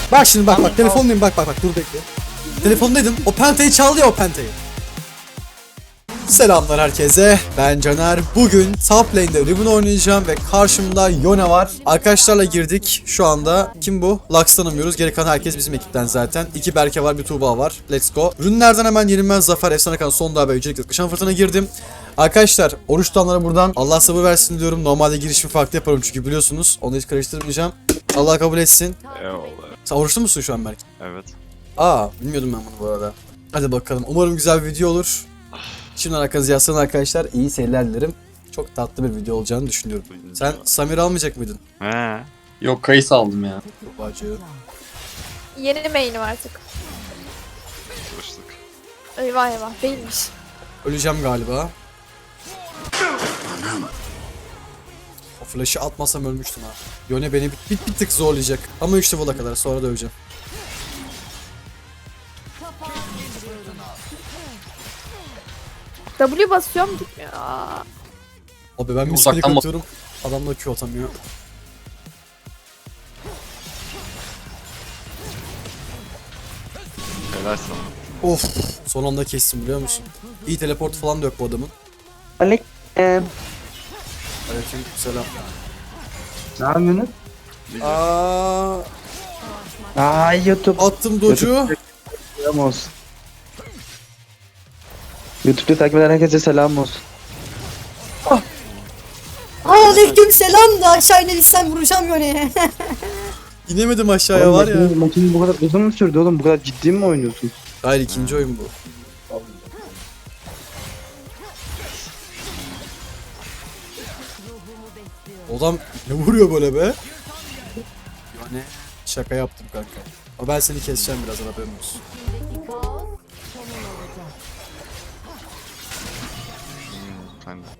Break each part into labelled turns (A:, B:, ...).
A: Bak şimdi bak telefondayım bak dur bekle. Telefondaydım. O pentayı çaldı ya o pentayı. Selamlar herkese. Ben Caner. Bugün top lane'de Riven oynayacağım ve karşımda Yone var. Arkadaşlarla girdik. Şu anda kim bu? Lux tanımıyoruz. Geri kalan herkes bizim ekipten zaten. 2 Berke var, bir Tuğba var. Let's go. Ürünlerden hemen yenilmez zafer, efsane kan, son daha ve öncelikle kışan fırtına girdim. Arkadaşlar oruç tutanlara buradan Allah sabır versin diyorum. Normalde girişimi farklı yaparım çünkü biliyorsunuz. Onu hiç karıştırmayacağım. Allah kabul etsin.
B: Eyvallah.
A: Sen oruçlu musun şu an Berke?
B: Evet.
A: Bilmiyordum ben bunu bu arada. Hadi bakalım. Umarım güzel bir video olur. Şimdi arkanızı yaslanın arkadaşlar. İyi seyirler dilerim. Çok tatlı bir video olacağını düşünüyorum. Sen Samir almayacak mıydın?
B: He.
C: Yok, kayısı aldım ya.
A: Bacı.
D: Yeni main'im artık.
B: Çalıştık.
D: Eyvah eyvah değilmiş.
A: Öleceğim galiba. O flash'ı atmasam ölmüştüm ha. Yone beni bir tık zorlayacak. Ama 3 level'a kadar sonra da öleceğim.
D: W basıyorum gitmiyor. Aa.
A: Abi ben
C: Uzaktan
A: misklik atıyorum. Adam da Q atamıyor.
B: Helal sana.
A: Of. Son anda kestim biliyor musun? İyi teleport falan da yok bu adamın.
E: Aleyküm.
A: Aleyküm selam.
E: Ne yapıyorsunuz? YouTube.
A: Attım docu.
E: Selam olsun. YouTube'da takip eden herkese selam olsun.
F: Aleyküm selam da aşağı inebilsem vuracağım Yone'ye.
A: İnemedim aşağıya
E: Oğlum,
A: var ya.
E: Maçın bu kadar uzun mu sürdü oğlum? Bu kadar ciddi mi oynuyorsun?
A: Hayır, ikinci oyun bu. Adam ne vuruyor böyle be? Yani şaka yaptım kanka. Ama ben seni keseceğim birazdan, haberin olsun.
B: Sen de.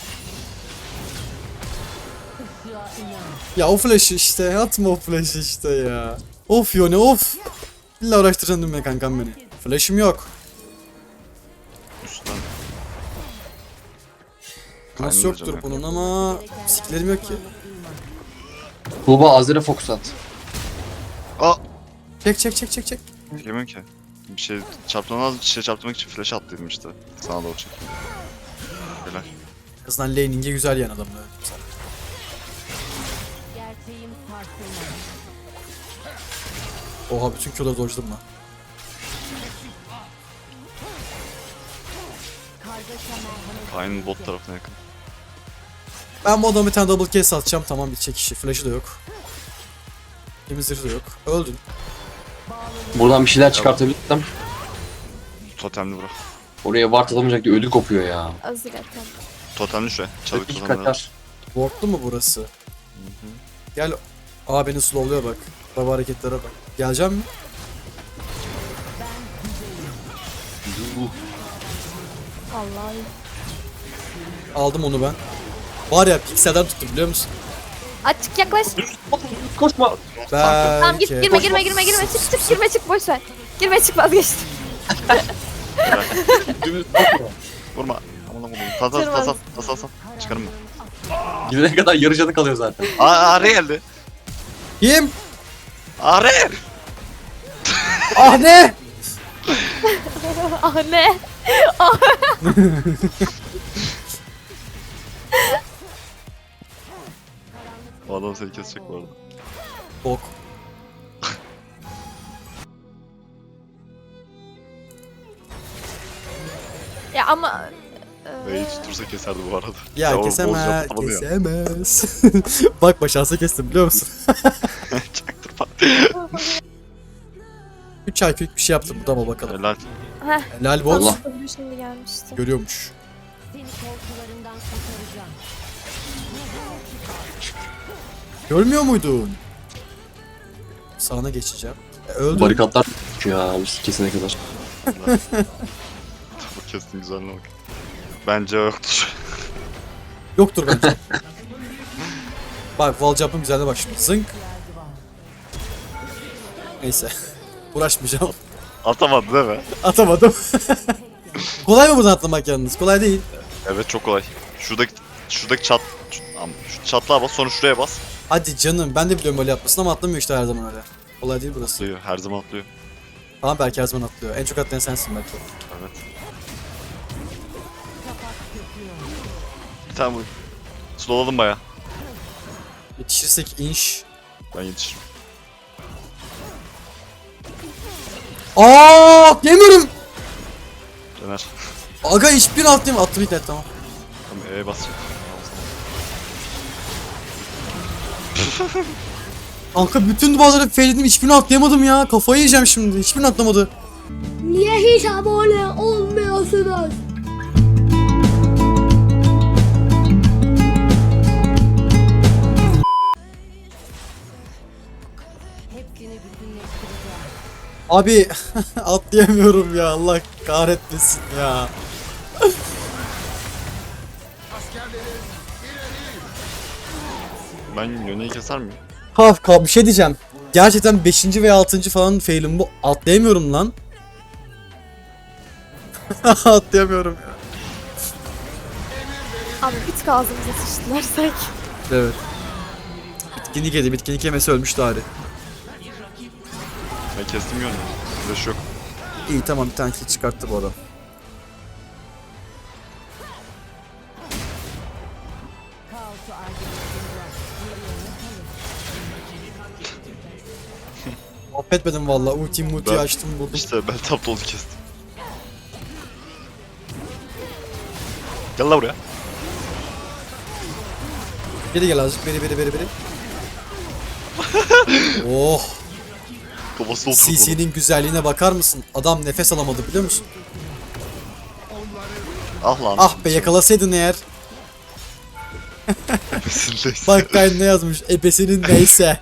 A: Ya o flash işte, atma o flash işte ya. Of Yone of. İlla uğraştıracaksın değil mi kankam beni? Flash'ım yok.
B: Üstten.
A: Nasıl
B: Kaynayacağım
A: yoktur
B: ya.
A: bunun ama siklerim yok ki.
C: Tuğba Azer'e fokus at.
B: Aa!
A: Çek.
B: Bilmiyorum ki. Bir şey çarptırmaz, bir şey çarptırmak için flash attıydım işte. Sana doğru çekeyim. Helal.
A: En azından laning'e güzel yan adam. Evet. Oha, bütün Q'ları dodge'ladım lan.
B: Kayn'ın bot tarafına yakın.
A: Ben bu adama bir tane double case atacağım, tamam, bitecek işi. Flash'ı da yok. Temizleri de yok. Öldün.
C: Buradan bir şeyler çıkartabilirsem.
B: Totemli bırak.
C: Oraya ward atamayacak diye ödü kopuyor ya.
D: Azir atam.
B: Totemli şuraya. Çabuk
C: İki
B: totemli.
C: kaçar.
A: Wardlu mu burası? Gel. Aa, beni slowluyor bak. Baba hareketlere bak. Geleceğim mi?
D: Vallahi.
A: Aldım onu ben. Var ya, pikselden tuttum biliyor musun?
D: Açık yaklaş.
C: Koşma.
D: Tamam git
A: Belki.
D: girme çık girme çık boş ver. Girme çık vazgeçtim.
B: Vurma. Aman aman. Tas. Çıkarım mı?
C: Gidene kadar yarı canı kalıyor zaten.
B: Araya geldi.
A: Kim?
B: Araya!
A: Ah ne?
D: Ah ne?
B: O adam seni kesecek bu arada.
A: Bok.
D: Ya ama
B: Ve hiç tutursa keserdi bu arada.
A: Ya
B: o
A: kesemez.
B: bozacak adamı ya.
A: Kesemez. Bak başarsa kestim biliyor musun?
B: Çaktırma.
A: 3 ay bir şey yaptım, tamam bakalım.
B: Helal.
A: Helal bol.
C: Allah.
D: W şimdi gelmişti.
A: Görüyormuş. Görmüyor muydun? Sağına geçeceğim. Öldüm.
C: Barikatlar ya üst kesene kadar.
B: Bu kestin güzelliğine bak. Bence yoktur.
A: Yoktur bence. Bak wall jump'ın güzelliğine bak şimdi. Zınk. Neyse. Uğraşmayacağım.
B: Atamadı değil mi?
A: Atamadım. Kolay mı buradan atlamak yalnız? Kolay değil.
B: Evet çok kolay. Şuradaki şu çatlağa bas, sonra şuraya bas.
A: Hadi canım, ben de biliyorum böyle yapmasını ama atlamıyor işte her zaman öyle. Olay değil burası.
B: Atlıyor. Her zaman atlıyor.
A: Tamam belki her zaman atlıyor. En çok atlayan sensin belki.
B: Evet. Bir tane vur. Slowladım baya.
A: Yetişirsek inş.
B: Ben yetişirim.
A: Aa, yemiyorum.
B: Döner.
A: Aga hiçbir atlayayım. Attım ilk net tamam.
B: Tamam E'ye basacağım.
A: Kanka bütün duvarları failledim, hiçbirini atlayamadım ya. Kafayı yiyeceğim şimdi. Hiçbirini atlamadı.
F: Niye hiç abone olmuyorsunuz?
A: Abi atlayamıyorum ya. Allah kahretmesin ya.
B: Ben Yone'yi keser miyim?
A: Bir şey diyeceğim. Gerçekten 5. veya 6. falan failim bu. Atlayamıyorum lan. Atlayamıyorum ya.
D: Abi bir tık ağzımıza sıçtılar sanki.
A: Evet. Bitkinlik yedi. Bitkinlik yemesi ölmüştü Ari.
B: Ben kestim Yone'yi. Flash yok.
A: İyi tamam, bir tane kill çıkarttı bu adam. Affetmedim valla. Ulti
B: Ben-
A: açtım vurdum.
B: İşte ben tap dolu kestim. Gel la buraya.
A: Biri gel azıcık. Biri. Oh.
B: Kafası oldu.
A: CC'nin güzelliğine bakar mısın? Adam nefes alamadı biliyor musun?
B: Ah lan.
A: Ah be, yakalasaydın eğer.
B: Nefesindeyse.
A: Bak Kayn ne yazmış? Ebesinin neyse.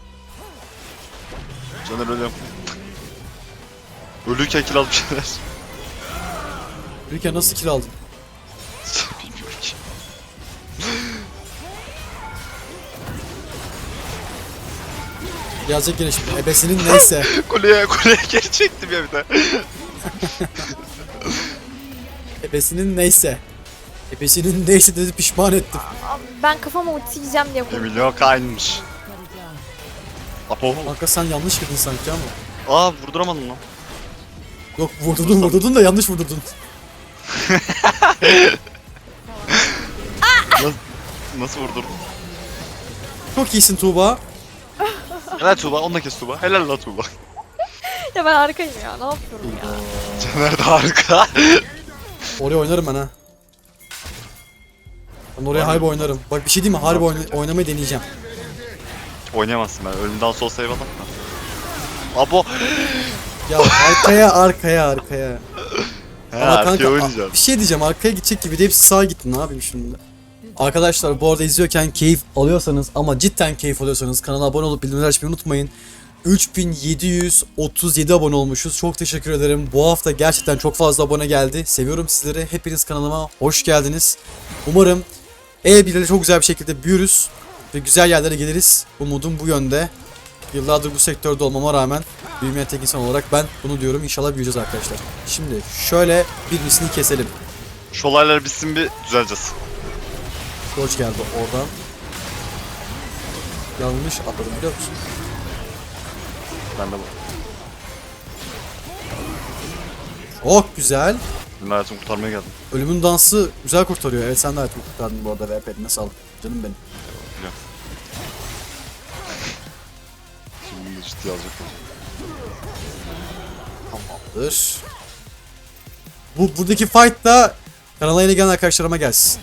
B: Caner ölüyorum. Ölürken kill almış şeyler.
A: Ülke nasıl kill aldın?
B: Bilmiyorum ki.
A: Yazacak yine şimdi. Ebesinin neyse.
B: Kuleye geri çektim ya bir de.
A: Ebesinin neyse. Ebesinin neyse dedi, pişman ettim.
D: Abi ben kafama ulti yiyeceğim diye korktum.
B: Emilio kaynmış. Apo.
A: Kanka sen yanlış girdin sanki ama.
B: Aa vurduramadım lan.
A: Yok vurdurdun da yanlış vurdurdun.
B: Nasıl vurdurdun?
A: Çok iyisin Tuğba.
B: Helal Tuğba, onunla kes Tuğba. Helal la Tuğba.
D: Ya ben arkayım ya, ne yapıyorum ya.
B: Caner de harika.
A: Oraya oynarım ben ha. Ben oraya harbi oynarım. Bak bir şey diyeyim mi? Harbi oynamayı deneyeceğim.
B: Oynayamazsın ben. Ölümden sol save atam da. Abo.
A: Ya arkaya.
B: He
A: Ama
B: arkaya
A: kanka
B: oynayacağım.
A: bir şey diyeceğim, arkaya gidecek gibi de hepsi sağa gitti, ne yapayım şimdi? Arkadaşlar bu arada izliyorken keyif alıyorsanız ama cidden keyif alıyorsanız kanala abone olup bildirimleri açmayı unutmayın. 3737 abone olmuşuz. Çok teşekkür ederim. Bu hafta gerçekten çok fazla abone geldi. Seviyorum sizleri. Hepiniz kanalıma hoş geldiniz. Umarım E1'le çok güzel bir şekilde büyürüz ve güzel yerlere geliriz. Umudum bu yönde. Yıllardır bu sektörde olmama rağmen büyümeyen tek insan olarak ben bunu diyorum. İnşallah büyüyeceğiz arkadaşlar. Şimdi şöyle birisini keselim.
B: Şu olaylar bitsin bir düzeleceğiz.
A: Koç geldi oradan. Yanlış atladım biliyor musun?
B: Ben de bu.
A: Oh güzel.
B: Benim hayatımı kurtarmaya geldim.
A: Ölümün dansı güzel kurtarıyor. Evet sen de hayatımı kurtardın bu arada. VP'line sağlık. Canım benim.
B: Biliyorum. Şimdi de ciddi alacak.
A: Tamamdır. Buradaki fight da kanala yeni gelen arkadaşlarıma gelsin.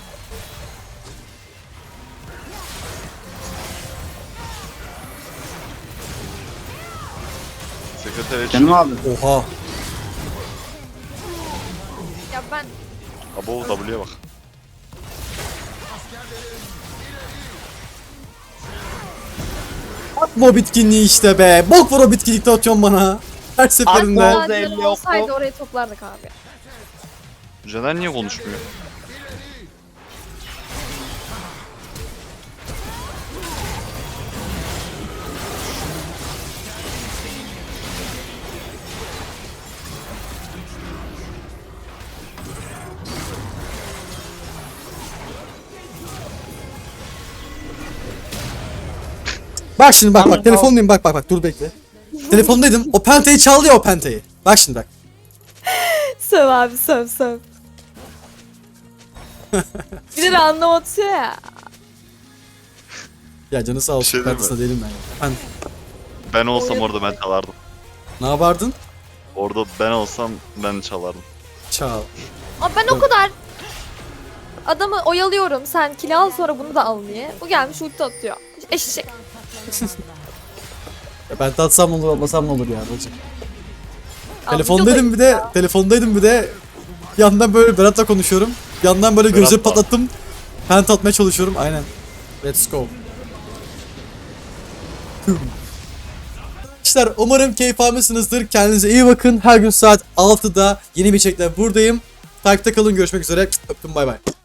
B: Sekreter için.
E: Canım abi.
A: Oha.
D: Ya ben
B: Abo W'ye bak.
A: Atma o bitkinliği işte be. Bok var o bitkinlikte atıyorsun bana. Her seferinde.
D: daha canım olsaydı orayı toplardık abi.
B: Caner niye konuşmuyor?
A: Bak şimdi bak telefondayım bak dur bekle. Telefondaydım. O pentayı çaldı ya o pentayı. Bak şimdi bak.
D: Söv abi söv. Bir de anlam atıyor ya.
A: Ya canı sağ olsun.
B: şey değil mi?
A: Pentasına değilim ben. Ya.
B: Ben olsam orada ben çalardım.
A: Ne yapardın?
B: Orada ben olsam ben çalardım.
A: Çal.
D: Ama ben o kadar adamı oyalıyorum. Sen kill al sonra bunu da al diye. Bu gelmiş ulti atıyor. Eşek.
A: Ya ben tatsam ne olur, atmasam ne olur ya bacım.
D: Abi,
A: Telefondaydım bir de, bir yandan böyle Berat'la konuşuyorum. Bir yandan böyle gözleri
B: Berat'la.
A: patlattım. Pent atmaya çalışıyorum. Aynen. Let's go. Arkadaşlar umarım keyif almışsınızdır. Kendinize iyi bakın. Her gün saat 6'da yeni bir içerikle buradayım. Takipte kalın. Görüşmek üzere. Öptüm. Bay bay.